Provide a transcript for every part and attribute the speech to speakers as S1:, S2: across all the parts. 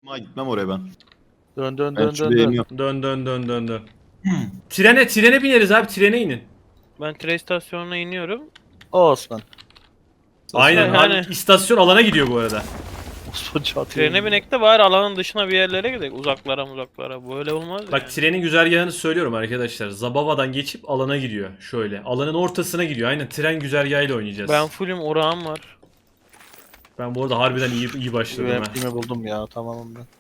S1: Ha, gitmem oraya ben.
S2: Dön dön
S1: Ben
S2: dön
S1: şuraya
S2: dön dön.
S1: iniyorum.
S3: Dön. Trene bineriz abi, trene inin.
S4: Ben tren istasyonuna iniyorum.
S2: Osman.
S3: Aynen.
S4: Yani-
S3: Abi, istasyon alana gidiyor bu arada.
S2: Osman çatıyor.
S4: Trene binek de bari alanın dışına bir yerlere gidelim. Uzaklara. Böyle olmaz
S3: Bak,
S4: yani.
S3: trenin güzergahını söylüyorum arkadaşlar. Zabava'dan geçip alana gidiyor. Şöyle. Alanın ortasına gidiyor. Aynen, tren güzergahıyla oynayacağız.
S4: Ben fullüm, orağım var.
S3: Ben bu arada harbiden iyi başladım ha.
S2: UMP'mi buldum ya, tamamım ben.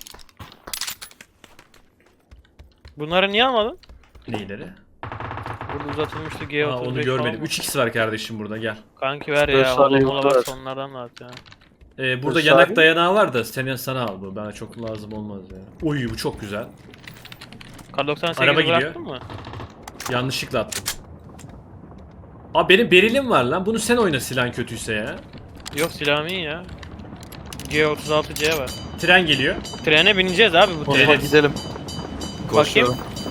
S4: Bunları niye almadın?
S3: Neyleri?
S4: Burada uzatılmıştı
S3: Aa,
S4: G35
S3: onu görmedim.
S4: falan.
S3: 3x var kardeşim burada, gel.
S4: Kanki ver
S2: Dört
S4: ya.
S2: saniye
S4: Mola
S2: yoktu
S4: varsa
S2: ver.
S4: onlardan da at ya.
S3: Burada
S2: Dur,
S3: yanak
S2: saniye.
S3: dayanağı var da sana al bu. Bana çok lazım olmaz ya. Oy, bu çok güzel.
S4: Kar 98'i
S3: Araba gidiyor.
S4: bıraktın mı?
S3: Yanlışlıkla attım. Abi benim berilim var lan. Bunu sen oyna silahın kötüyse ya.
S4: Yok, silahım iyi ya. G36C var.
S3: Tren geliyor.
S4: Trene bineceğiz abi bu
S2: Osman
S4: trene.
S3: Evet.
S2: gidelim.
S4: Bakayım.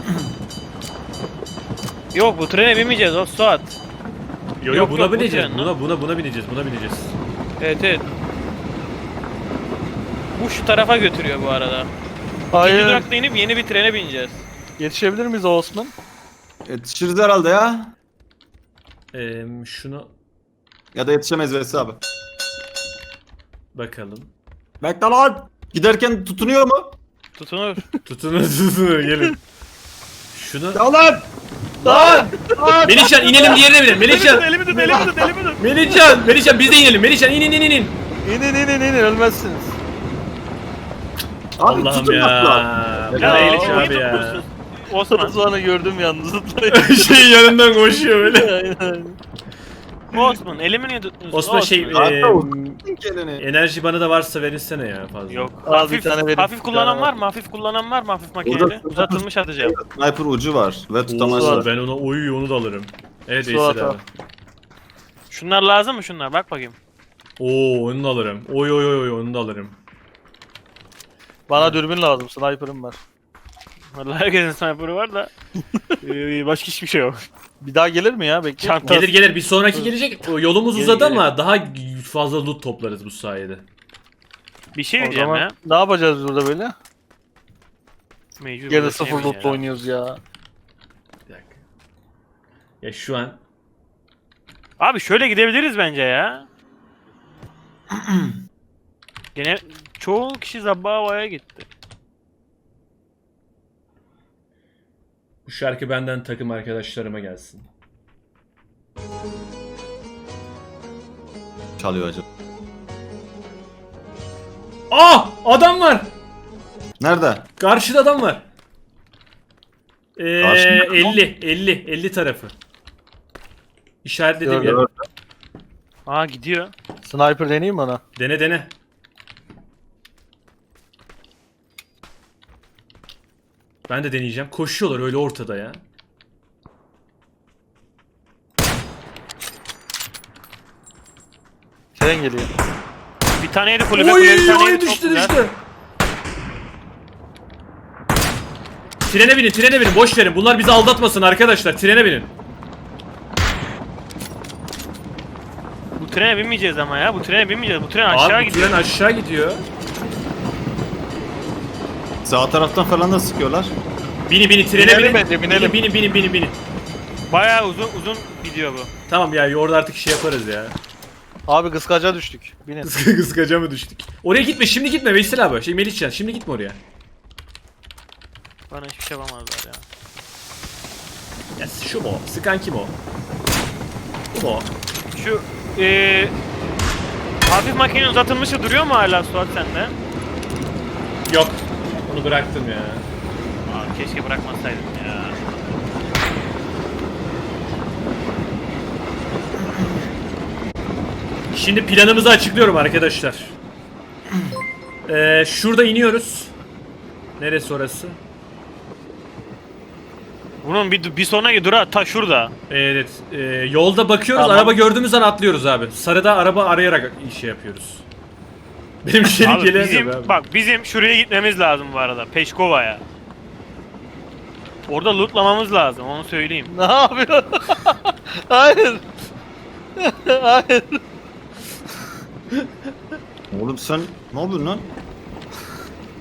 S4: Yok, bu trene binmeyeceğiz o Suat.
S3: Yok
S4: Yok,
S3: buna
S4: yok, bu
S3: bineceğiz.
S4: tren lan.
S3: Buna bineceğiz.
S4: Evet. Bu şu tarafa götürüyor bu arada. İkinci
S2: Hayır.
S4: durakta inip yeni bir trene bineceğiz.
S2: Yetişebilir miyiz Osman?
S1: Yetişiriz herhalde ya.
S3: Şunu
S1: Ya da yetişemeyiz Vesi abi.
S3: bakalım.
S1: Bekle lan. Giderken tutunuyor mu?
S4: Tutunur.
S3: Tutunun gelin. Şunu...
S1: Ya lan.
S3: Lan! Melihcan inelim, diğerine binelim. Melihcan!
S4: elimi tut.
S3: Melihcan biz de inelim. Melihcan in.
S2: İnin ölmezsiniz.
S1: Abi
S3: Allah'ım
S1: tutun bak lan.
S3: ya.
S4: Ya
S2: Ya,
S4: eli
S3: Melih
S4: çok iyi
S3: abi ya.
S4: tutmuşsun. Osman.
S2: Osman'ı gördüm yalnız.
S3: Şey yanından koşuyor böyle.
S2: Aynen.
S4: Osman elimi niye tutmuyorsun?
S3: Osman şey
S1: Hatta uzun geleni.
S3: enerji bana da varsa verirsene ya fazla.
S4: Yok.
S2: Al bir
S4: Hafif,
S2: tane verip
S4: hafif
S2: bir
S4: kullanan
S2: tane
S4: var mı? Hafif makineli.
S1: Burada-
S4: Uzatılmış atacağım.
S1: Sniper ucu var ve tutamazlar.
S3: Oo, ben onu da alırım. Evet
S2: Su
S3: Veysel
S2: ata.
S3: abi.
S4: Şunlar lazım mı şunlar? Bak bakayım.
S3: Oo, onu da alırım. Oy onu da alırım.
S2: Bana dürbün lazım, sniper'ım var.
S4: Vallahi herkesin sniper'ı var da başka hiçbir şey yok.
S2: Bir daha gelir mi ya? Bekle.
S4: Çanta-
S3: Gelir bir sonraki gelecek. O, yolumuz
S4: Gelir,
S3: uzadı
S4: gelir.
S3: ama daha fazla loot toplarız bu sayede.
S4: Bir şey
S2: O
S4: diyeceğim
S2: zaman
S4: ya.
S2: ne yapacağız burada böyle?
S4: Mecbur
S2: Gene
S4: böyle
S2: sıfır
S4: şey mi
S2: loot'la
S4: ya?
S2: oynuyoruz ya.
S3: Bir dakika. Ya şu an
S4: Abi şöyle gidebiliriz bence ya. Gene çoğu kişi Zabbava'ya gitti.
S3: bu şarkı benden takım arkadaşlarıma gelsin.
S1: Çalıyor acaba.
S3: Adam var.
S1: Nerede?
S3: Karşıda adam var.
S1: Karşıda adam mı?
S3: 50 tarafı. İşaretledim
S2: Gördüm.
S3: ya.
S4: Aa, gidiyor.
S2: Sniper deneyeyim bana.
S3: Dene. Ben de deneyeceğim. Koşuyorlar öyle ortada ya.
S2: Tren geliyor.
S4: Bir tane yedi kulübe bir tane yedi. Çok güzel.
S3: Trene binin. Boş verin. Bunlar bizi aldatmasın arkadaşlar. Trene binin.
S4: Bu trene binmeyeceğiz ama ya. Bu trene binmeyeceğiz. Bu tren aşağı
S3: Abi bu
S4: gidiyor.
S3: tren aşağı gidiyor.
S1: Sağ taraftan falan da sıkıyorlar.
S3: Binin trene
S2: Binelim
S3: binin.
S2: bence, binelim.
S3: Binin.
S4: Bayağı uzun gidiyor bu.
S3: Tamam ya, orada artık şey yaparız ya.
S2: Abi kıskaca düştük. Binin.
S3: Kıskaca mı düştük? Oraya gitme, şimdi gitme Veysel abi. Melihcan, şimdi gitme oraya.
S4: Bana hiçbir şey yapamazlar ya.
S3: Ya şu mu? Sıkan kim o? Bu mu?
S4: Şu hafif makine uzatılmışı duruyor mu hala Suat sende?
S3: Yok. Onu bıraktım ya.
S4: Aa, keşke bırakmasaydım ya.
S3: Şimdi planımızı açıklıyorum arkadaşlar. Şurada iniyoruz. Neresi orası?
S4: Bunun bir sonraki durağı ta şurada.
S3: Evet. Yolda bakıyoruz.
S2: Tamam.
S3: Araba gördüğümüz an atlıyoruz abi. Sarıda araba arayarak şey yapıyoruz. Benim şeyim
S4: Abi
S3: gelemiyor abi.
S4: bizim şuraya gitmemiz lazım bu arada. Peşkova'ya. Orada lootlamamız lazım, onu söyleyeyim.
S2: Ne yapıyorsun? Hayır. Hayır.
S1: Oğlum sen ne yapıyorsun lan?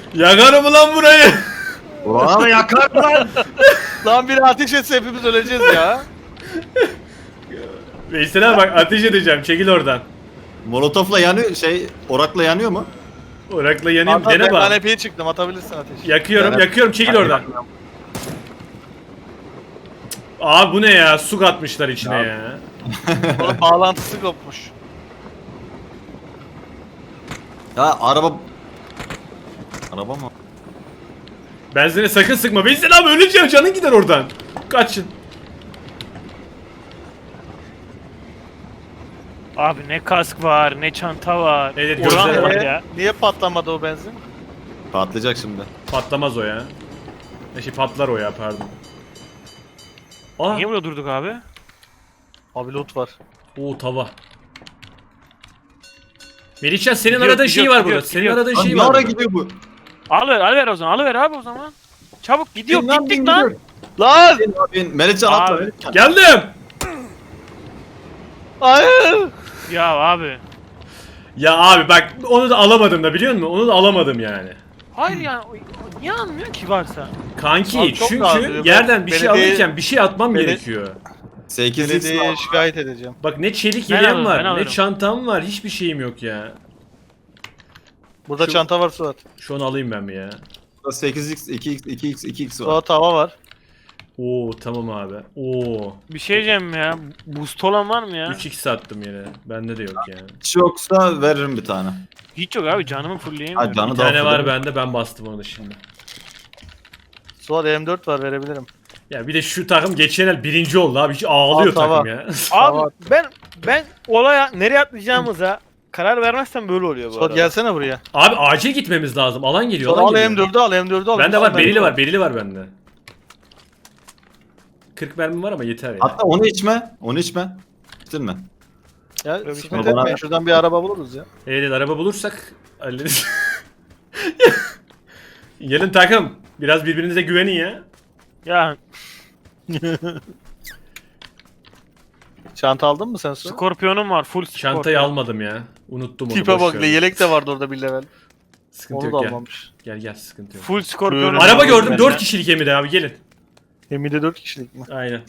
S3: Yakarım ulan burayı.
S1: Ulan yakar lan.
S2: Lan biri ateş etse hepimiz öleceğiz ya.
S3: Veysel abi bak ateş edeceğim. Çekil oradan.
S1: Molotofla yanıyor orakla yanıyor mu?
S3: Orakla yanayım.
S2: Hatta
S3: Dene
S2: ben
S3: bak.
S2: kanepeye çıktım, atabilirsin ateş.
S3: Yakıyorum,
S1: Evet.
S3: yakıyorum. Çekil oradan. Abi bu ne ya? Su katmışlar içine
S1: Ya.
S3: ya.
S2: Onun bağlantısı kopmuş.
S1: Ya araba mı?
S3: Benzine sakın sıkma. Veysel abi öleceğim. Canın gider oradan. Kaçın.
S4: Abi ne kask var, ne çanta var.
S3: Evet,
S4: Oran
S3: gözleri
S4: var
S3: var.
S4: ya.
S2: Niye patlamadı o benzin?
S1: Patlayacak şimdi.
S3: Patlamaz o ya. Patlar o ya pardon. Aa.
S4: Niye burada durduk abi?
S2: Abi loot var.
S3: Oo tava. Melihcan senin
S4: Gidiyor,
S3: aradığın
S4: gidiyor,
S3: şey var
S4: gidiyor,
S3: burada. Senin
S4: gidiyor.
S3: aradığın
S1: Lan
S3: şey
S1: ne
S3: var
S1: ara
S3: burada.
S1: gidiyor bu?
S4: Alıver o zaman, alıver abi o zaman. Çabuk gidiyor,
S1: Bin lan,
S4: gittik
S1: bin
S4: lan.
S1: gidiyor.
S2: Lan!
S1: Bin, Melihcan atla.
S4: Abi.
S1: Melihcan.
S3: Geldim.
S2: Hayır!
S4: Ya abi.
S3: Ya abi bak onu da alamadım da biliyor musun? Onu da alamadım yani.
S4: Hayır yani niye almıyor ki varsa?
S3: Kanki
S2: Abi çok rahat
S3: çünkü
S2: diyor.
S3: yerden bir şey
S2: Belediye-
S3: alırken bir şey atmam
S2: Belediye-
S3: gerekiyor.
S1: 8x
S2: Belediyeye
S1: var.
S2: şikayet edeceğim.
S3: Bak ne çelik
S4: Ben
S3: yeleğim
S4: alırım,
S3: var,
S4: ben
S3: ne
S4: alırım.
S3: çantam var, hiçbir şeyim yok ya.
S2: Burada
S3: Şu-
S2: çanta var Suat.
S3: Şu an alayım ben bir ya.
S1: 8x, 2x, 2x, 2x var.
S2: Suat tava var.
S3: Oo tamam abi. Oo.
S4: Bir şey diyeceğim ya. Boost olan var mı ya?
S3: 3x attım yine. Bende de yok yani.
S1: Hiç yoksa veririm bir tane.
S4: Hiç yok abi canımı fullleyemiyorum.
S1: Ha canı
S3: Bir
S1: da
S3: tane var
S1: affederim.
S3: bende, ben bastım onu şimdi.
S2: Suat M4 var, verebilirim.
S3: Ya bir de şu takım geçen el birinci oldu abi. Hiç ağlıyor
S2: Al, tamam.
S3: takım ya.
S4: Abi ben olaya nereye atlayacağımıza karar vermezsem böyle oluyor bu
S2: Suat
S4: arada.
S2: gelsene buraya.
S3: Abi acil gitmemiz lazım. Alan geliyor,
S2: Suat
S3: alan
S2: al
S3: geliyor.
S2: M4'ü al, M4'ü al.
S3: Bende var,
S2: Ben-
S3: berili var, berili var bende. 40 mermim var ama yeter ya.
S1: Hatta onu içme. Onu içme. İçtin mi?
S2: Ya
S4: Öyle bir
S2: sıkıntı
S1: şey.
S2: etmeyin, şuradan bir araba buluruz ya.
S3: Evet araba bulursak hallederiz. Gelin takım. Biraz birbirinize güvenin ya.
S4: Ya
S2: Çanta aldın mı sen Suat?
S4: Skorpiyonum var full skorpiyon.
S3: Çantayı almadım ya. Unuttum onu.
S2: Tipe
S3: boş
S2: bak,
S3: ver.
S2: yelek de vardı orada bir level.
S3: Sıkıntı
S2: Onu da
S3: yok gel.
S2: almamış.
S3: Gel gel sıkıntı yok.
S4: Full skorpiyonum
S2: Buyurun.
S4: var.
S3: Araba gördüm
S4: Ben
S3: 4
S4: de.
S3: kişilik Emine abi gelin.
S2: Gemide 4 kişilik mi?
S3: Aynen.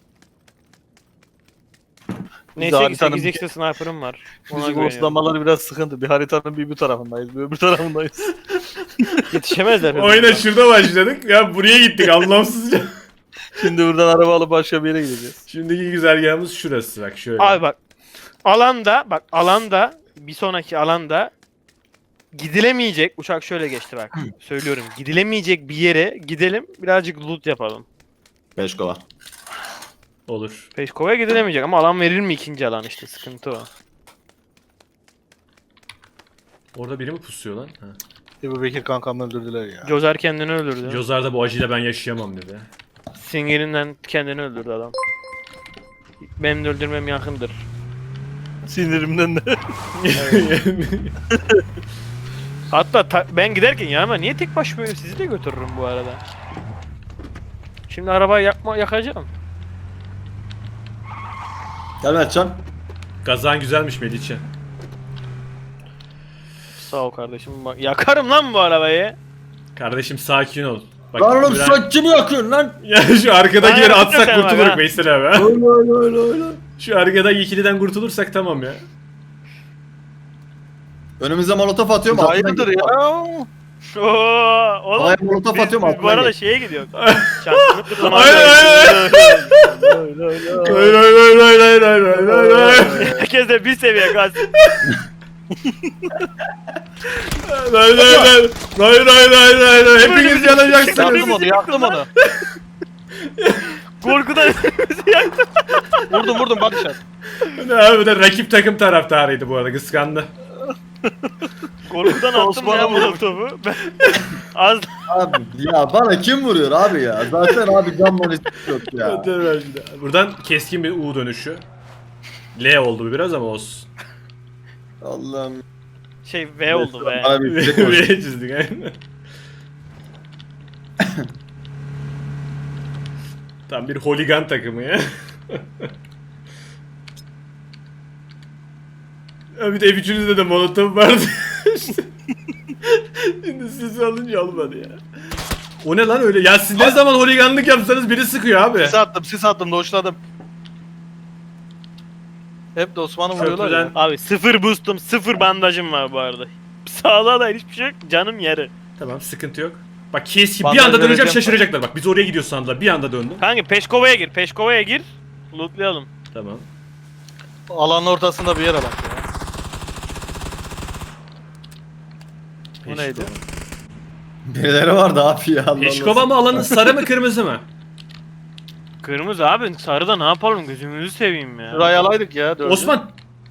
S4: Neyse
S2: haritanın
S4: 8x'te sniper'ım var. Ona
S2: Bizim
S4: güveniyorum.
S2: oslamaları biraz sıkıntı. Bir haritanın bir tarafındayız, bir öbür tarafındayız.
S4: Yetişemezler.
S3: Oyuna şurada başladık. Ya buraya gittik anlamsızca.
S2: Şimdi buradan araba alıp başka bir yere gideceğiz.
S3: Şimdiki güzergahımız şurası bak şöyle.
S4: Abi bak alanda bir sonraki alanda gidilemeyecek uçak şöyle geçti bak. Söylüyorum gidilemeyecek bir yere gidelim birazcık loot yapalım.
S1: 5 kova.
S3: Olur.
S4: Peşkova'ya gidilemeyecek ama alan verir mi ikinci alan işte sıkıntı o.
S3: Orada biri mi pusuyor lan? Ha.
S2: Ebu Bekir kankamı öldürdüler ya.
S4: Jozer kendini öldürdü.
S3: Jozar'da bu acıyla ben yaşayamam dedi.
S4: Singerinden kendini öldürdü adam. Benim de öldürmem yakındır.
S2: Sinirimden de.
S4: Hatta ben giderken yanıma niye tek başıma sizi de götürürüm bu arada. Şimdi arabayı yakacağım.
S1: Gel Mertcan.
S3: Gazan güzelmiş Melihcan.
S4: Sağ ol kardeşim. Bak, yakarım lan bu arabayı.
S3: Kardeşim sakin ol. Bak,
S1: Lan oğlum
S3: biraz-
S1: sen kimi yakıyorsun lan?
S3: Ya şu arkadakileri
S4: Aynen,
S3: atsak
S4: sen bak
S3: kurtuluruz
S4: ha.
S3: Veysel abi. ha.
S1: Öyle öyle öyle.
S3: Şu arkadaki ikiliden kurtulursak tamam ya.
S1: Önümüze molotof atıyorum. altından
S2: Hayırdır
S1: gidiyor.
S2: ya?
S4: Oo, oğlum.
S1: Havaya molotof atıyorum.
S4: Bu
S1: altından
S4: arada
S1: geç.
S4: şeye gidiyor. Şansını kutlamak
S3: Aynen aynen. Hayır hayır hayır hayır hayır hayır hayır hayır.
S4: Herkes de bir seviye gaz.
S3: Hayır hayır hayır. Hayır hayır hayır hayır hayır. Hepiniz yanacaksınız.
S2: Yaktım onu, yaktım onu.
S4: Korkudan bizi yaktı.
S2: Vurdum bak dışarı.
S3: Ne abi bu da rakip takım taraftarıydı bu arada kıskandı.
S4: Korkudan attım
S2: Osman'a
S4: ya
S2: vurmuş.
S4: molotofu. Ben az
S1: Abi ya bana kim vuruyor abi ya? Zaten abi canman hiç yok ya.
S3: Buradan keskin bir U dönüşü. L oldu bu biraz ama olsun.
S1: Allah'ım.
S4: şey V oldu be.
S1: Bana bir fişek
S3: V
S1: olsun.
S3: çizdik aynen. Tam bir holigan takımı ya. Ya bir de F3'ünüzde de molotof vardı. İşte. Şimdi siz alınca olmadı ya. O ne lan öyle? Ya siz ne zaman holiganlık yapsanız biri sıkıyor abi.
S2: Sis attım, doşladım. Hep de Osman'ı vuruyorlar ya.
S3: Köprüden-
S4: Abi 0 boostum, 0 bandajım var bu arada. Sağlığa da hiçbir şey yok. Canım yarı.
S3: Tamam sıkıntı yok. Bak kes bir
S2: Bandaj
S3: anda döneceğim
S2: vereceğim
S3: şaşıracaklar. Bak biz oraya gidiyoruz sandılar. Bir anda döndüm.
S4: Kanka Peşkova'ya gir. Peşkova'ya gir. Lootlayalım.
S3: Tamam.
S2: Alanın ortasında bir yere bak ya. Bu neydi?
S1: Birileri vardı abi ya. Allah
S3: Peşkova
S1: Allah.
S3: mı alanın sarı mı kırmızı mı?
S4: Kırmızı abi. Sarıda ne yapalım? Gözümüzü seveyim ya.
S2: Şurayı alaydık ya. Dördü.
S3: Osman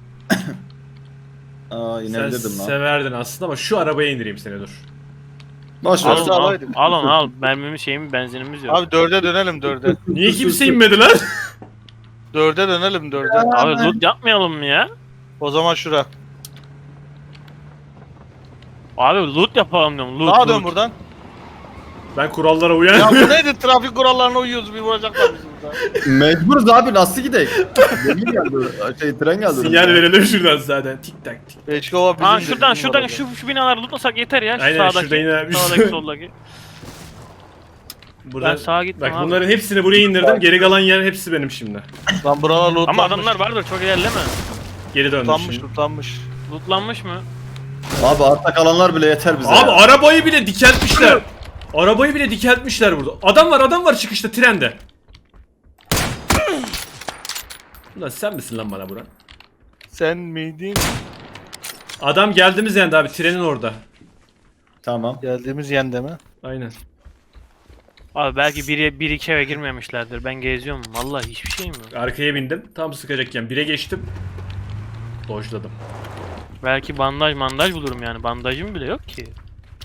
S1: Aa
S3: sen
S1: inebilirdim lan.
S3: severdin aslında ama şu arabaya indireyim seni dur.
S1: Boş ver.
S2: Al,
S4: Al,
S2: Şurada
S4: al,
S2: alaydık.
S4: al onu al. Mermimiz şeyimiz benzinimiz yok.
S2: Abi dörde dönelim dörde.
S3: Niye kimse inmedi lan?
S2: Dörde dönelim dörde.
S4: Abi loot yapmayalım mı ya?
S2: O zaman şura.
S4: Abi loot yapalım diyorum. Loot,
S2: Sağa dön
S4: loot.
S2: buradan.
S3: Ben kurallara
S2: Ya
S3: uyan.
S2: bu neydi? Trafik kurallarına uyuyoruz. Bir vuracaklar bizi burada.
S1: Mecburuz abi nasıl gidelim? Demir geldi. Tren geldi.
S3: Sinyal verelim şuradan zaten. Tik tak tik.
S2: Beşkova bizim.
S4: Ha şuradan şu binaları lootlasak yeter ya. Şu
S3: Aynen,
S4: sağdaki,
S3: şurada yine bir-
S4: sağdaki soldaki.
S3: Buradan,
S4: Ben sağa gittim
S3: bak
S4: abi.
S3: bunların hepsini buraya indirdim. Geri kalan yer hepsi benim şimdi.
S2: Lan buralar lootlanmış.
S4: Ama adamlar vardır çok ilerleme.
S3: Geri döndüm
S2: Lootlanmış
S3: şimdi.
S2: lootlanmış.
S4: Lootlanmış mı?
S1: Abi artta kalanlar bile yeter bize.
S3: Abi
S1: ya.
S3: arabayı bile dikeltmişler. Arabayı bile dikeltmişler burada. Adam var çıkışta trende. Ulan sen misin lan bana Burak?
S2: Sen miydin?
S3: Adam geldiğimiz yerde abi trenin orada.
S1: Tamam.
S2: Geldiğimiz yende mi?
S3: Aynen.
S4: Abi belki bir iki eve girmemişlerdir. Ben geziyorum. Vallahi hiçbir şeyim yok.
S3: Arkaya bindim. Tam sıkacakken 1'e geçtim. Dojladım.
S4: Belki bandaj bulurum yani. Bandajım bile yok ki.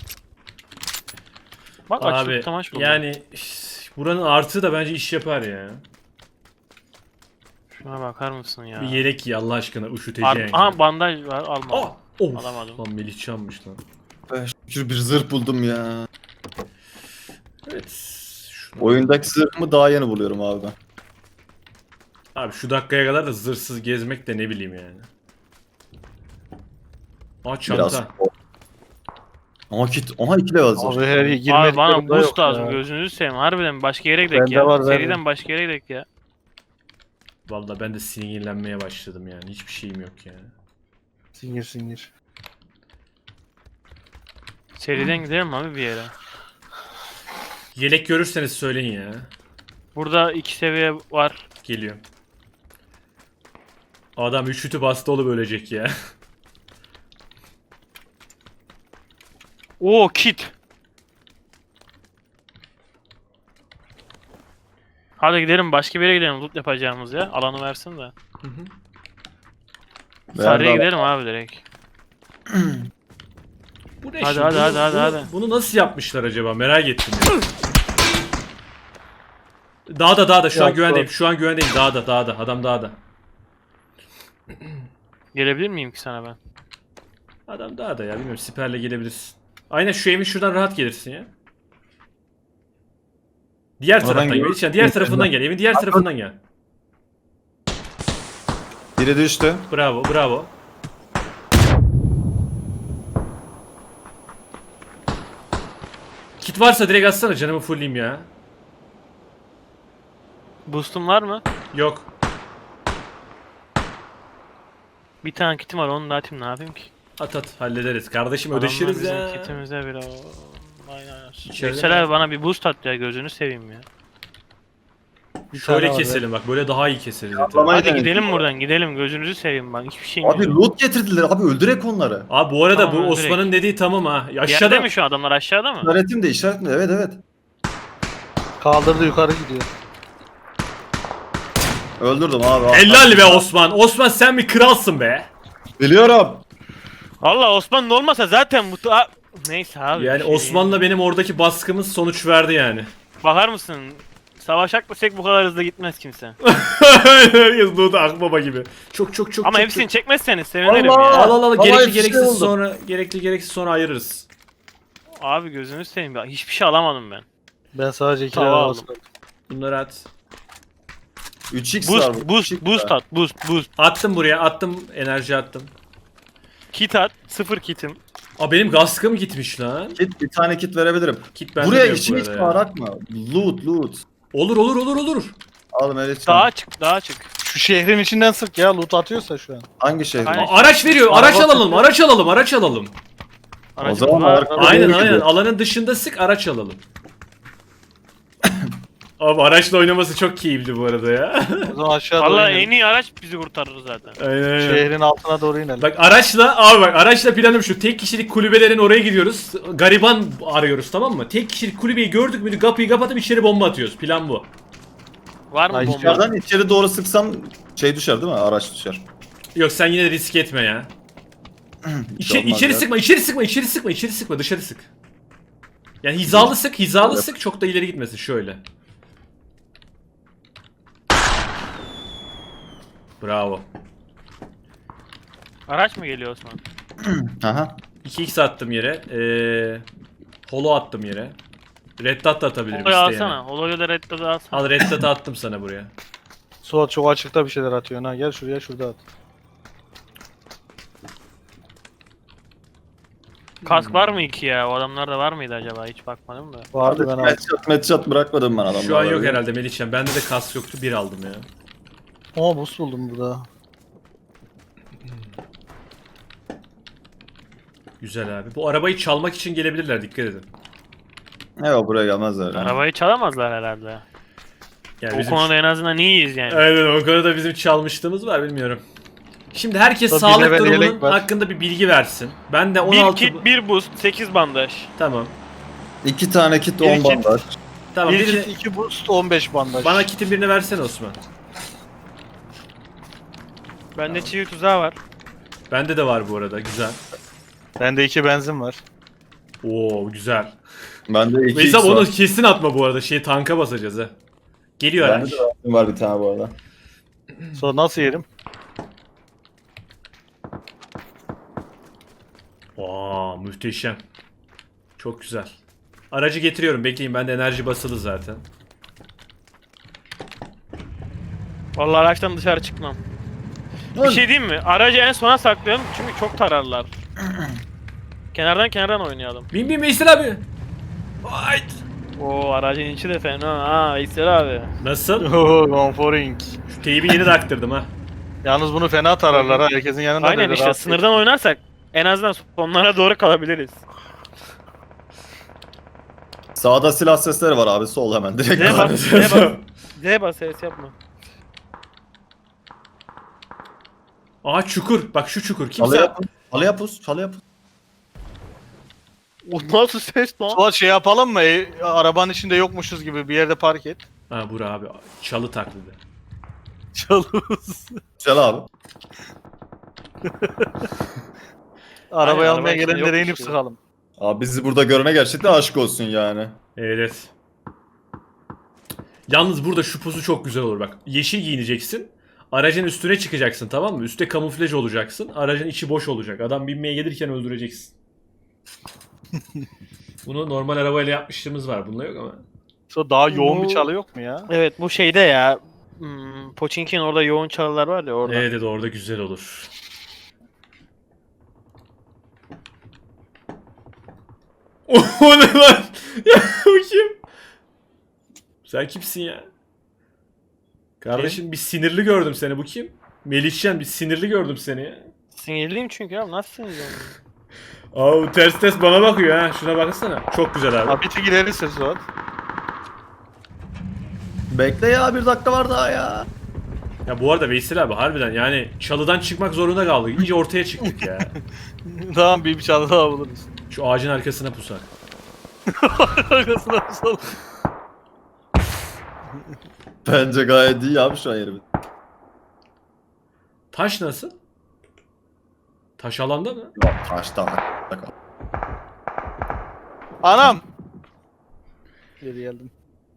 S4: Bak
S3: Abi
S4: açlık tamaş buldum.
S3: yani buranın artığı da bence iş yapar ya.
S4: Şuna bakar mısın ya?
S3: Bir yelek giy Allah aşkına üşüteceğin.
S4: Aha bandaj var alma.
S3: Oh! Of!
S4: Alamadım.
S3: Lan Melihcan'mış lan.
S1: Şükür bir zırh buldum ya.
S3: Evet. Şunu-
S1: Oyundaki zırhımı daha yeni buluyorum abi ben.
S3: Abi şu dakikaya kadar da zırhsız gezmek de ne bileyim yani. Aa çanta.
S1: Biraz. Aha kit. Aha 2 level zırh.
S2: Abi her girmedik.
S4: Abi bana
S2: yolda
S4: boost
S2: yok
S4: lazım.
S2: ya.
S4: Gözünüzü seveyim. Harbiden başka yere gidelim
S2: Bende
S4: ya.
S2: var,
S4: Seriden
S2: vermem.
S4: başka yere gidelim ya.
S3: Vallahi ben de sinirlenmeye başladım yani. Hiçbir şeyim yok yani.
S2: Singir.
S4: Seriden gidelim abi bir yere.
S3: Yelek görürseniz söyleyin ya.
S4: Burada 2 seviye var.
S3: Geliyor. Adam üşütüp hasta olup ölecek ya.
S4: Oo kit. Hadi gidelim başka bir yere gidelim loot yapacağımız ya. Alanı versin de. Sarıya gidelim abi direkt.
S3: Bu ne
S4: Hadi,
S3: şimdi?
S4: hadi.
S3: Bunu nasıl yapmışlar acaba? Merak ettim ya. Dağda şu an
S2: Yok,
S3: güvendeyim.
S2: yok.
S3: Şu an güvendeyim. Dağda. Adam dağda.
S4: Gelebilir miyim ki sana ben?
S3: Adam dağda ya. Bilmiyorum. Siperle gelebilirsin. Aynen şu evin şuradan rahat gelirsin ya. Diğer
S1: Oradan
S3: taraftan
S1: geliyor.
S3: gel. Diğer tarafından gel. Evin diğer tarafından gel.
S1: Biri düştü.
S3: Bravo. Kit varsa direkt atsana canımı fullleyeyim ya.
S4: Boost'um var mı?
S3: Yok.
S4: Bir tane kitim var onu da atayım ne yapayım ki?
S3: At hallederiz. Kardeşim
S4: Adamlar
S3: ödeşiriz
S4: bizim
S3: ya.
S4: kitimize bir o... Aynen.
S3: İçeride
S4: Yüksel
S3: mi?
S4: abi bana bir boost at ya gözünü seveyim ya.
S3: Şöyle
S2: tane var
S3: keselim bak. Böyle daha iyi keseriz zaten.
S1: Atlamayı
S4: Hadi
S1: denedim.
S4: gidelim buradan gidelim gözünüzü seveyim bak hiçbir şeyim
S1: Abi
S4: yok.
S1: loot getirdiler abi öldürek onları.
S3: Abi bu arada
S4: Tamam,
S3: bu
S4: direkt.
S3: Osman'ın dediği tamam ha.
S4: Yerde
S3: Aşağıda
S4: mi şu adamlar aşağıda mı?
S1: İşaretim de işaretim de evet.
S2: Kaldırdı yukarı gidiyor.
S1: Öldürdüm abi.
S3: Helal be Osman. Osman sen bir kralsın be.
S1: Biliyorum.
S4: Allah Osman'ın olmasa zaten bu... Neyse abi.
S3: Yani
S4: bir şey-
S3: Osman'la benim oradaki baskımız sonuç verdi yani.
S4: Bakar mısın? Savaşak desek bu kadar hızlı gitmez kimse.
S3: Herkes Doğu'da akbaba gibi. Çok.
S4: Ama
S3: çok,
S4: hepsini
S3: çok.
S4: çekmezseniz sevinirim
S1: Allah!
S4: ya.
S3: Al
S1: Vallahi
S3: gerekli
S1: bir şey
S3: gereksiz
S1: oldu.
S3: sonra gereksiz sonra ayırırız.
S4: Abi gözünü seveyim ya. Hiçbir şey alamadım ben.
S2: Ben sadece 2
S4: Tamam.
S2: level aldım.
S3: Bunları at.
S1: 3x var.
S4: Boost at. Boost.
S3: Attım buraya. Attım enerji attım.
S4: Kit at. 0 kitim.
S3: Aa benim kaskım gitmiş lan.
S1: Kit, bir tane kit verebilirim.
S3: Kit bende
S1: Buraya
S3: de yok
S1: işin
S3: bu
S1: hiç
S3: arada ya.
S1: bağırak mı? Loot.
S3: Olur.
S1: Al Melihcan.
S4: Dağa çık.
S2: Şu şehrin içinden sık ya loot atıyorsa şu an.
S1: Hangi şehir?
S4: Aynen.
S3: Araç veriyor. Araç alalım. Araç alalım.
S1: O zaman
S4: var.
S1: arka-
S3: Aynen
S1: Doğru gidiyor.
S3: Alanın dışında sık araç alalım. Abi araçla oynaması çok keyifli bu arada ya.
S2: O zaman aşağı doğru
S4: Valla
S2: inelim.
S4: en iyi araç bizi kurtarır zaten.
S3: Aynen.
S2: Şehrin altına doğru inelim.
S3: Bak araçla planım şu. Tek kişilik kulübelerin oraya gidiyoruz. Gariban arıyoruz tamam mı? Tek kişilik kulübeyi gördük mü kapıyı kapatıp içeri bomba atıyoruz. Plan bu.
S4: Var mı
S2: Ay,
S4: bomba?
S1: İçeriden içeri doğru sıksam şey düşer değil mi? Araç düşer.
S3: Yok sen yine de risk etme ya.
S1: Olmaz
S3: içeri
S1: ya.
S3: sıkma, içeri sıkma, dışarı sık. Yani hizalı sık çok da ileri gitmesin şöyle. Bravo.
S4: Araç mı geliyor Osman?
S1: Aha.
S3: 2x attım yere. Holo attım yere. Red dot da atabilirim
S4: Holo'yu
S3: isteyene.
S4: alsana. Holo'yu da Red Dot'u alsana.
S3: Al red dot'ı attım sana buraya.
S2: Suat çok açıkta bir şeyler atıyor. Ha gel şuraya şurada at.
S4: Kask var mı iki ya? O adamlarda var mıydı acaba? Hiç bakmadım da.
S2: Vardı ben aldım.
S1: Headshot bırakmadım ben adamlara.
S3: Şu an yok herhalde Melihcan. Bende de kask yoktu. Bir aldım ya.
S2: Aa buz buldum burada.
S3: Güzel abi. Bu arabayı çalmak için gelebilirler. Dikkat edin.
S1: Yok buraya gelmezler.
S4: Arabayı çalamazlar herhalde.
S3: Yani
S4: O
S3: bizim...
S4: konuda en azından iyiyiz yani.
S3: Aynen o konuda bizim çalmışlığımız var bilmiyorum. Şimdi herkes
S2: Tabii
S3: sağlık
S2: level
S3: durumunun
S2: yelek var.
S3: hakkında bir bilgi versin. Ben de
S4: 1
S3: 16...
S4: kit, 1 boost, 8 bandaj.
S3: Tamam.
S1: 2 tane kit
S2: Bir
S1: 10
S2: kit.
S1: bandaj.
S3: Tamam.
S2: 1
S3: birini-
S2: kit 2 boost 15 bandaj.
S3: Bana kitin birini versene Osman.
S4: Bende çivi tuzağı var.
S3: Bende de var bu arada. Güzel.
S2: Bende 2 benzin var.
S3: Oo güzel.
S1: Bende 2
S3: Veysel
S1: x
S3: onu
S1: var.
S3: kesin atma bu arada. Tanka basacağız ha. Geliyor
S1: Bende
S3: araç.
S1: de var bir tane bu arada.
S2: Sonra nasıl yerim?
S3: Aa muhteşem. Çok güzel. Aracı getiriyorum. Bekleyin bende enerji basılı zaten.
S4: Vallahi araçtan dışarı çıkmam. Bir şey diyeyim mi? Aracı en sona saklayalım çünkü çok tararlar. Kenardan oynayalım.
S3: Bin Veysel abi. Hayt.
S4: Oo aracın içi de fena ha Veysel abi.
S3: Nasıl?
S2: Ooo Gonforing.
S3: Şu teybi yeni taktırdım ha.
S2: Yalnız bunu fena tararlar ha. Herkesin yanında
S4: Aynen
S2: böyle
S4: işte
S2: rahat
S4: sınırdan oynarsak en azından sonlara doğru kalabiliriz.
S1: Sağda silah sesleri var abi. Sol hemen direkt.
S4: Z bas, Z bas. Z bas ses yapma.
S3: Aa çukur. Bak şu çukur.
S1: Çalı
S3: Kimse...
S1: yapın. Çalı yapın.
S4: O nasıl ses lan?
S2: Suat şey yapalım mı? Arabanın içinde yokmuşuz gibi bir yerde park et.
S3: Ha bura abi. Çalı taklidi.
S2: Çalıyoruz.
S1: Çal abi.
S2: Arabayı
S4: Aynen,
S2: almaya
S4: araba içinde
S2: gelenlere
S4: yokmuş
S2: inip
S4: gibi.
S2: sıkalım.
S1: Abi bizi burada görene gerçekten aşk olsun yani.
S3: Evet. Yalnız burada şu pozu çok güzel olur bak. Yeşil giyineceksin. Aracın üstüne çıkacaksın tamam mı? Üste kamuflaj olacaksın. Aracın içi boş olacak. Adam binmeye gelirken öldüreceksin. Bunu normal arabayla yapmışlığımız var. Bunda yok ama.
S2: Sonra daha yoğun
S4: Bu-
S2: bir çalı yok mu ya?
S4: Evet bu şeyde ya. Pochinki'nin orada yoğun çalılar var ya orada.
S3: Evet orada güzel olur. O ne lan? Ya o kim? Sen kimsin ya? Kardeşim bir sinirli gördüm seni. Bu kim? Melihcan bir sinirli gördüm seni ya.
S4: Sinirliyim çünkü abi nasıl sinirliyim?
S3: Aa ters bana bakıyor ha. Şuna baksana. Çok güzel abi.
S2: Abi bir tık ilerisi Suat.
S1: Bekle ya 1 dakika var daha ya.
S3: Ya bu arada Veysel abi harbiden yani çalıdan çıkmak zorunda kaldık. İyice ortaya çıktık ya.
S2: Tamam bir çalı daha buluruz.
S3: Şu ağacın arkasına pusak.
S2: Arkasına tutalım.
S1: Bence gayet iyi abi şu an yerimiz.
S3: Taş nasıl? Taş alanda mı?
S1: Taştan.
S2: Anam! Geri geldim.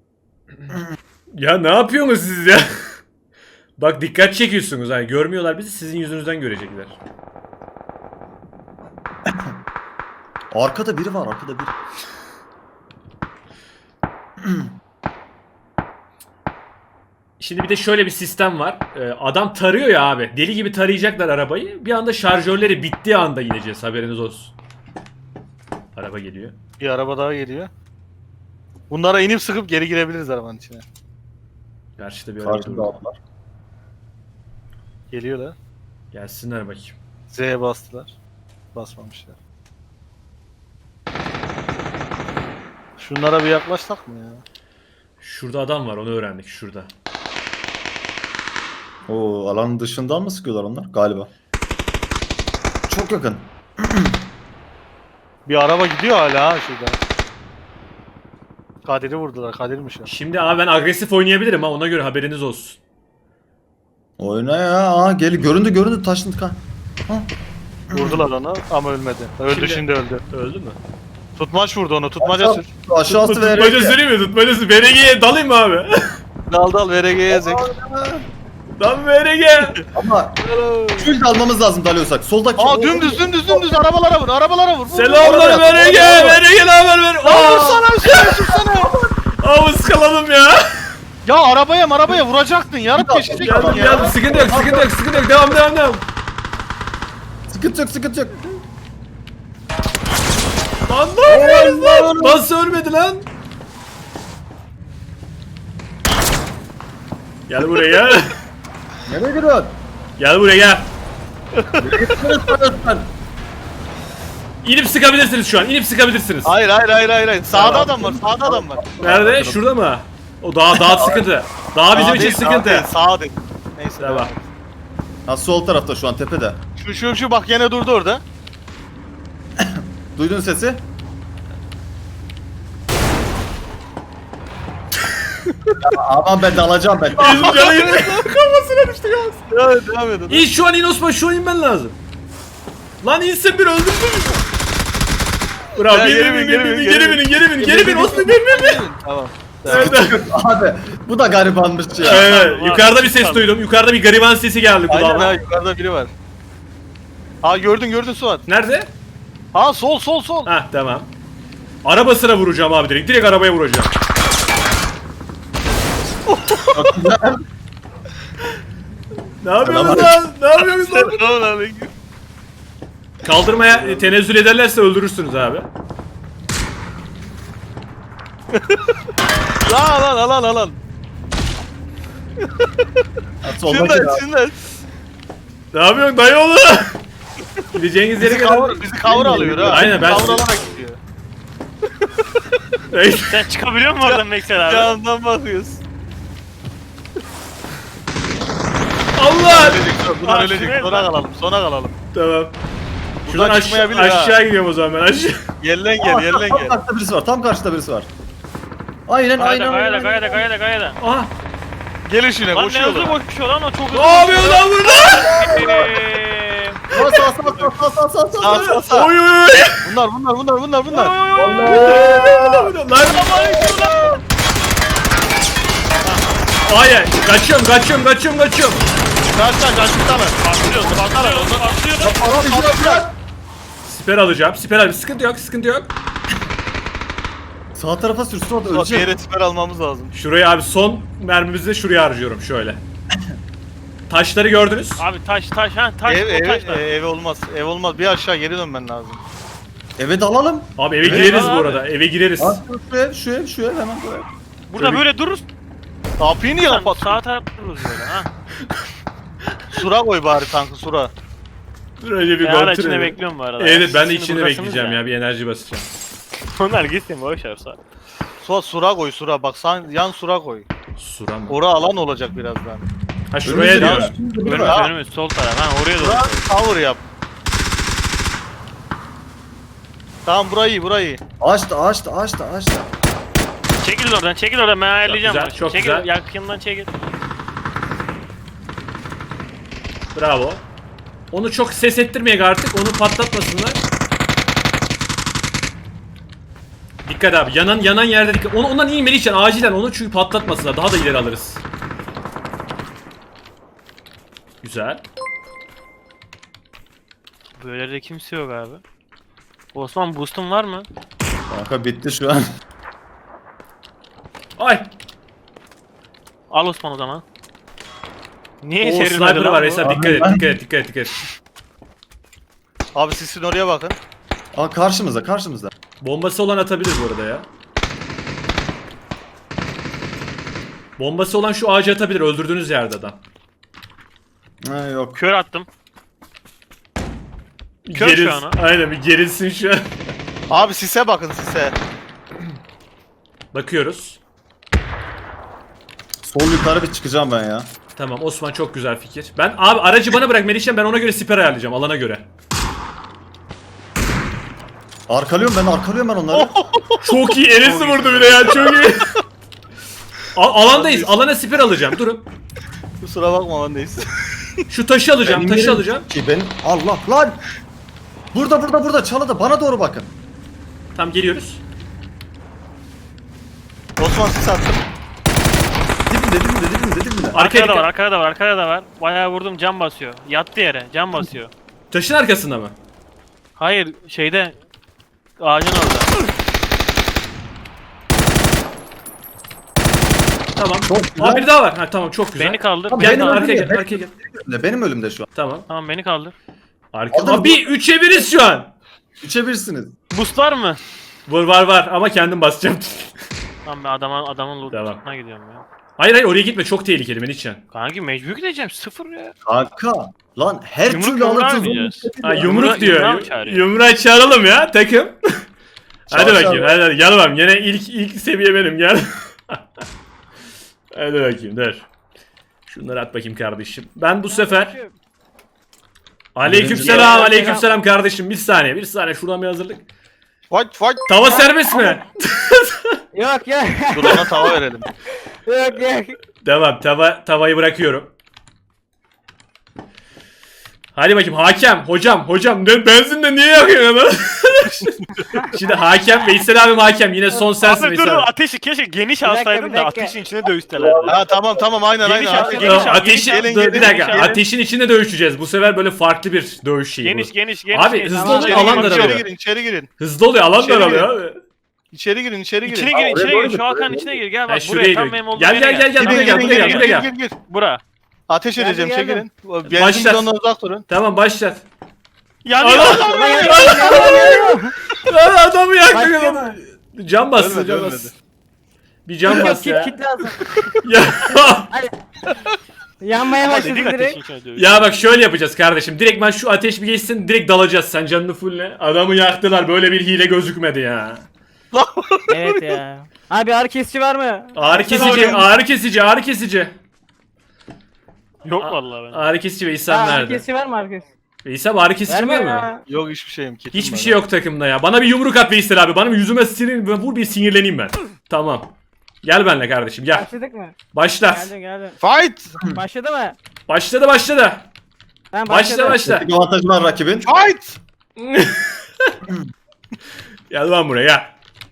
S3: Ya ne yapıyorsunuz siz ya? Bak dikkat çekiyorsunuz hani görmüyorlar bizi sizin yüzünüzden görecekler.
S1: Arkada biri var arkada biri.
S3: Şimdi bir de şöyle bir sistem var. Adam tarıyor ya abi. Deli gibi tarayacaklar arabayı. Bir anda şarjörleri bittiği anda ineceğiz haberiniz olsun. Araba geliyor.
S2: Bir araba daha geliyor. Bunlara inip sıkıp geri girebiliriz arabanın içine.
S3: Karşıda bir araba
S1: Karşımda
S3: durdu.
S1: aldılar.
S2: Geliyorlar.
S3: Gelsinler bakayım.
S2: Z'ye bastılar. Basmamışlar. Şunlara bir yaklaşsak mı ya?
S3: Şurada adam var, onu öğrendik şurada.
S1: Oo, alanın dışından mı sıkıyorlar onlar? Galiba. Çok yakın.
S2: Bir araba gidiyor hala ha şurada. Kadir'i vurdular. Kadir'miş o.
S3: Şimdi abi ben agresif oynayabilirim ha, ona göre haberiniz olsun.
S1: Oyna ya. Aa, göründü taşındık ha. Ha.
S2: Vurdular onu ama ölmedi. Öldü
S3: Şimdi-
S2: şimdi öldü.
S3: Öldü mü?
S2: Tutmaç vurdu onu. Tutmaca sür.
S1: Aşağısı
S3: Tutmaca
S1: vererek.
S3: süreyim mi? Tutmaca VRG'ye dalayım mı abi?
S2: Dal VRG'ye zek.
S3: Dal VRG!
S1: Ama full de almamız lazım dalıyorsak. Soldaki.
S2: Aa dümdüz arabalara vur. Arabalara vur.
S3: Selamlar VRG! VRG ne haber ver? Aa!
S2: Vursana sürsene.
S3: Aa ıskaladım ya!
S2: Ya arabaya vuracaktın. Yarıp geçecek
S3: Geldim
S2: ya.
S3: geldim, sıkıntı yok. Devam.
S1: Sıkıntı yok.
S3: Lan ne yapıyorsun lan? Nasıl ölmedi lan? Gel buraya.
S1: Nereye gidiyorsun?
S3: Gel buraya gel.
S1: Sen.
S3: İnip sıkabilirsiniz şu an. İnip sıkabilirsiniz.
S2: Hayır. Sağda adam var.
S3: Nerede? Şurada mı? O daha sıkıntı. Daha bizim için sıkıntı.
S2: Sağ değil. Neyse.
S3: Tamam.
S1: Ha, sol tarafta şu an tepede.
S2: Şu bak yine durdu orada.
S1: Duydun sesi? Ya, aman ben de alacağım ben.
S3: Bizim canı kafasına düştü gaz.
S2: Evet devam edin.
S3: İn şu an in Osman, şu an inmen lazım. Lan insin bir öldürsün. Bravo.
S2: Ya,
S3: Geri bin Osman, bin.
S2: Tamam.
S3: Evet.
S1: Abi bu da garibanmış ya.
S3: Evet, yukarıda bir ses duydum. Yukarıda bir gariban sesi geldi
S2: Aynen ha
S3: kulağıma.
S2: yukarıda biri var. Ha gördün Suat.
S3: Nerede?
S2: Ha sol.
S3: Hah tamam. Arabasına vuracağım abi direkt. Direkt arabaya vuracağım. Ne yapıyorsunuz lan? Ne yapıyorsunuz lan? Kaldırmaya tenezzül ederlerse öldürürsünüz abi.
S2: Lan.
S1: Soldaki ya.
S2: Şundan.
S3: Ne yapıyorsun dayıoğlu? Gideceğiniz yere kadar.
S2: Bizi cover alıyor ha.
S3: Aynen, ben-
S2: Cover alarak gidiyor.
S5: Sen çıkabiliyor musun oradan Meksel abi?
S2: Yandan bakıyoruz.
S3: Allah!
S2: Bunlar
S5: Aa,
S2: ölecek.
S5: şuraya
S2: Sona
S5: bak.
S2: kalalım. Sona kalalım.
S3: Tamam. Şuradan
S2: Buradan çıkmayabilir ha.
S3: aşağı gidiyorum o zaman ben aşağı.
S2: Yerlen
S1: Aa,
S2: gel.
S1: tam karşıda birisi var. Tam karşıda birisi var. Aynen.
S5: Kayada.
S3: Aha!
S2: Gel işine
S5: Lan ne hızlı
S2: koşuyorlar.
S5: koşuyor lan o çok hızlı.
S3: Ne yapıyorsun lan burada?
S1: Sağ.
S2: Sağ.
S3: Oy!
S2: Bunlar.
S3: Lan! Hayır, kaçıyorum.
S2: Kaçtan.
S5: Patlıyor.
S3: Siper alacağım. Sıkıntı yok.
S1: Sağ tarafa sürsün o da
S2: Bir
S1: ölecek.
S2: yere siper almamız lazım.
S3: Şuraya abi son mermimizi de şuraya harcıyorum şöyle. Taşları gördünüz.
S5: Abi taş o taşlar.
S2: Ev olmaz. Ev olmaz. Bir aşağı geri dönmen lazım.
S1: Evet alalım.
S3: Abi eve
S1: Evet,
S3: gireriz
S5: abi.
S3: bu arada. Eve gireriz.
S1: Bak şu ev hemen buraya.
S5: Burada böyle dururuz.
S2: Kapıyı niye kapat?
S5: Sağ tarafta dururuz böyle ha.
S2: Sura koy bari tankı sura.
S3: Dur önce bir
S5: Ben hala
S3: kontrol
S5: içinde
S3: edelim.
S5: bekliyorum bu arada.
S3: Evet ben de
S5: Şimdi
S3: içinde
S5: buradasınız
S3: bekleyeceğim ya.
S5: ya.
S3: Bir enerji basacağım.
S5: Onlar gitsin boş ver sağ.
S2: Suat sura koy sura. Bak sen yan sura koy.
S3: Sura mı?
S2: Ora alan olacak birazdan.
S3: Ha şuraya diyor.
S5: Önümüz sol taraf ha oraya doğru.
S2: Sura cover yap. Tamam burayı.
S1: Açtı.
S5: Çekil oradan ben ayarlayacağım.
S3: güzel,
S5: bunu.
S3: çok
S5: çekil,
S3: güzel.
S5: yakından çekil.
S3: Bravo. Onu çok ses ettirmeyek artık. Onu patlatmasınlar. Dikkat abi. Yanan yerde dikkat. Ondan inmeli için acilen onu çünkü patlatmasınlar. Daha da ileri alırız. Güzel.
S5: Böyle de kimse yok abi. Osman boost'un var mı?
S1: Kanka bitti şu an.
S3: Ay.
S5: Al Osman o zaman. Niye
S3: O
S5: serilmedi
S3: sniper
S5: lan
S3: var
S5: bu?
S3: Esat.
S1: Abi
S3: Dikkat
S1: ben-
S3: et.
S2: Abi sizin oraya bakın.
S1: Aa karşımızda.
S3: Bombası olan atabilir bu arada ya. Bombası olan şu ağaca atabilir. Öldürdüğünüz yerde adam.
S1: Ha yok.
S5: Kör attım. Kör şu an o.
S3: Aynen bir gerilsin şu an.
S2: Abi sise bakın sise.
S3: Bakıyoruz.
S1: Sol yukarı bir çıkacağım ben ya.
S3: Tamam Osman çok güzel fikir. Ben abi aracı bana bırak Melihcan, ben ona göre siper ayarlayacağım alana göre.
S1: Arkalıyorum ben onları.
S3: Çok iyi Enes'i vurdu bir de ya çok iyi. Alandayız, alana siper alacağım durun.
S2: Kusura bakma lan neyse.
S3: Şu taşı alacağım,
S1: Benim
S3: taşı
S1: yerim
S3: alacağım.
S1: Ki benim Allah lan. Burada çalıda bana doğru bakın.
S3: Tamam geliyoruz.
S2: Osman sis attım.
S1: Dibimde.
S5: Arkada da
S3: dikkat.
S5: var, arkada da var. Bayağı vurdum, cam basıyor. Yattı yere, cam basıyor.
S3: Taşın arkasında mı?
S5: Hayır, şeyde ağacın orada.
S3: Tamam.
S1: Çok güzel.
S3: Aa bir daha var. Ha tamam çok güzel.
S5: Beni kaldır.
S1: Abi,
S3: Gel
S1: benim
S3: arkaya
S1: önümde,
S3: gel, arkaya gel.
S1: Benim ölümde şu an.
S3: Tamam.
S5: Tamam, beni kaldır.
S3: Arka. Abi 3'e 1'iz şu an.
S1: 3'e 1'siniz.
S5: Boost var mı?
S3: Var ama kendim basacağım.
S5: Tamam, ben adamın
S3: Devam.
S5: lootuna gidiyorum ya.
S3: Hayır oraya gitme, çok tehlikeli Melihcan.
S5: Kanki mecbur gideceğim, sıfır ya.
S1: Kanka. Lan her
S5: Yumruk
S1: türlü
S5: yumruğa
S1: alırsınız.
S5: oynayacağız.
S3: Ha
S5: Yumruğa-
S3: yumruk diyor.
S5: yumruğa mı çağırıyor?
S3: Yumruğa çağıralım ya takım. Hadi
S1: Çağır,
S3: bakayım.
S1: çağır.
S3: Hadi gel bakalım. Yine ilk seviye benim gel. Hadi bakayım dur. Şunları at bakayım kardeşim. Ben bu sefer Aleykümselam, aleykümselam kardeşim. Bir saniye şuradan bir hazırlık.
S2: Fight.
S3: Tava serbest mi?
S6: Yok.
S2: Dur ona tava verelim.
S6: Yok.
S3: Devam. Tavayı bırakıyorum. Hadi bakayım hakem, hocam ne benzinle niye yakıyorsun adamı? Şimdi hakem Veysel abim hakem, yine son sensin
S5: Abi dur
S3: Veysel abi.
S5: ateşi keşke geniş
S6: dakika,
S5: alsaydın
S6: bir
S5: da
S6: dakika.
S5: ateşin içine dövüştelerdi.
S2: Ha tamam aynen.
S5: Geniş abi,
S2: Aynen.
S5: geniş abi.
S3: Ateşin,
S2: gelin,
S3: dur,
S2: gelin,
S3: bir dakika,
S5: gelin.
S3: ateşin içinde dövüşeceğiz. Bu sefer böyle farklı bir dövüş şeyi
S5: Geniş
S3: bu.
S5: geniş.
S3: Abi hızlı
S6: Tamam,
S3: oluyor,
S6: tamam.
S3: alan daralıyor.
S2: İçeri girin.
S3: Hızlı oluyor, alan
S2: İçeri
S3: daralıyor abi.
S2: İçeri girin.
S5: İçine girin,
S1: oraya
S5: içine
S1: doğru
S5: gir.
S1: git,
S5: Şu Hakan'ın
S1: oraya
S5: içine gir. Gel
S3: Ha,
S5: bak
S3: şuraya
S5: buraya tam
S3: gir.
S5: benim olduğum
S3: Gel,
S5: yere
S3: gel, gel, buraya gel.
S2: Gir.
S5: Bura.
S2: Ateş
S6: Geldim,
S2: edeceğim
S6: geldim.
S2: çekilin.
S3: Başlat.
S2: Benzin bidonundan uzak durun.
S3: Tamam başlat.
S5: Yanıyor adam.
S3: Lan adamı yaktı.
S6: Başladı.
S3: Can bastı,
S2: Ölmedi,
S3: can
S2: ölmedi.
S3: bastı. Bir can bas ya.
S6: Kit lazım.
S3: Ya.
S6: Yanmaya
S5: Ama
S6: başladı
S5: dedik
S6: direkt.
S5: ateşin içine dövüş.
S3: Ya bak şöyle yapacağız kardeşim. Direkt ben şu ateş bir geçsin, direkt dalacağız. Sen canını fulle. Adamı yaktılar. Böyle bir hile gözükmedi ya.
S6: Evet ya. Abi ağrı kesici var mı?
S3: Ağrı kesici.
S5: Yok vallahi ben.
S3: Ağrı kesici Veysel
S6: Ağrı
S3: nerede?
S6: kesici var mı ağrı kesici?
S3: Veysel ağrı kesici
S6: Verme
S3: var mı?
S6: ya.
S2: Yok hiçbir şeyim. kitim
S3: Hiçbir
S2: var
S3: şey
S2: ha.
S3: yok takımda ya. Bana bir yumruk at Veysel abi. Bana bir yüzüme vur bir sinirleneyim ben. Tamam. Gel benimle kardeşim gel.
S6: Başladık mı?
S3: Başla.
S6: Geldim.
S2: Fight.
S6: Başladı mı?
S3: Başladı.
S6: Tamam başladı.
S3: Başla.
S1: Bir avantajı var rakibin.
S2: Fight.
S3: Gel lan buraya gel.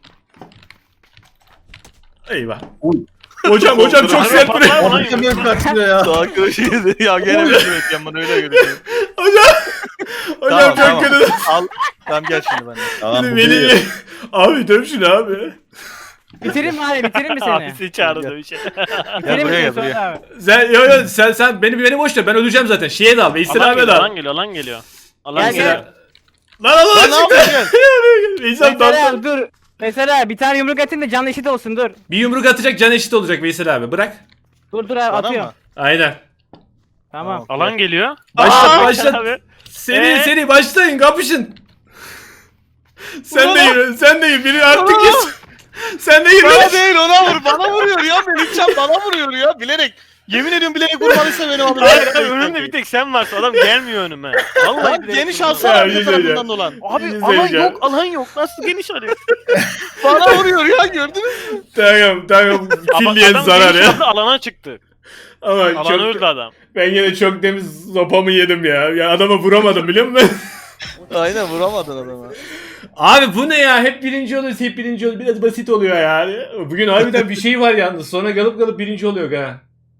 S3: Eyvah.
S1: Uy.
S3: Hocam çok sert buraya.
S5: Patlar mı lan
S1: Hakem
S5: yumruk?
S1: yok kaçmıyor ya.
S2: Arkadaşı yedi. Ya gene bir şey bekliyorum bana öyle görünüyor.
S3: Hocam çok kötü.
S2: Al. Tamam gel şimdi benden.
S1: Tamam bu
S3: Beni
S1: değil.
S3: abi döv şunu abi.
S6: Bitireyim mi abi? Bitireyim mi seni?
S5: Abi seni çağırdı dövüşe.
S6: Bitireyim mi
S2: buraya,
S6: seni
S2: buraya.
S6: sonra abi?
S3: Sen beni boş ver. Ben öleceğim zaten. Şeye dal. Veysel abi dal.
S5: Alan geliyor. Alan
S6: Gel,
S5: geliyor.
S6: gel.
S3: Lan
S2: Lan ne
S3: çıktı.
S2: yapıyorsun?
S3: Veysel
S6: Mesela
S3: dal.
S6: abi dur. Mesela bir tane yumruk atayım da canlı eşit olsun dur.
S3: Bir yumruk atacak, can eşit olacak Veysel abi. Bırak.
S6: Dur abi
S2: Bana
S6: atıyorum.
S2: mı?
S3: Aynen.
S6: Tamam.
S5: Alan geliyor.
S3: Başlat.
S5: Abi.
S3: Seri başlayın, kapışın. Sen de yürü. Biri artık git. Sen de yürü.
S2: Bana değil ona vur. Bana vuruyor ya. Melihcan bana vuruyor ya. Bilerek. Yemin ediyorum bilerek vurmalıysa beni alır.
S5: Hayır abi önümde bir tek sen varsın. Adam gelmiyor önüme. Vallahi
S2: Lan
S5: bilerek
S2: geniş
S5: vurdu.
S2: alsana
S3: Ya,
S2: bir
S3: güzel
S2: tarafından
S3: ya.
S2: dolan.
S5: Abi
S3: Güzel
S5: alan
S3: ya.
S5: yok, alan yok. Nasıl geniş arıyor?
S2: Bana vuruyor ya gördünüz mü?
S3: Tamam.
S5: Ama
S3: Külliyen
S5: adam
S3: zarar
S5: geniş
S3: ya.
S5: aldı, alana çıktı.
S3: Ama
S5: Alan öldü adam.
S3: ben yine çok temiz sopamı yedim ya. Ya adama vuramadım biliyor musun?
S2: Aynen vuramadın adama.
S3: Abi bu ne ya? Hep birinci oluyoruz. Biraz basit oluyor yani. Bugün harbiden bir şey var yalnız. Sonra galıp birinci oluyor ha.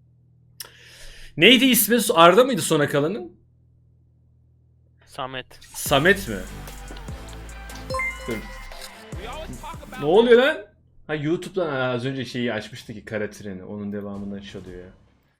S3: Neydi ismi? Arda mıydı sona kalanın?
S5: Samet.
S3: Samet mi? Dur. Ne oluyor lan? Ha YouTube'dan az önce şeyi açmıştı ki kara treni. Onun devamından çalıyor ya.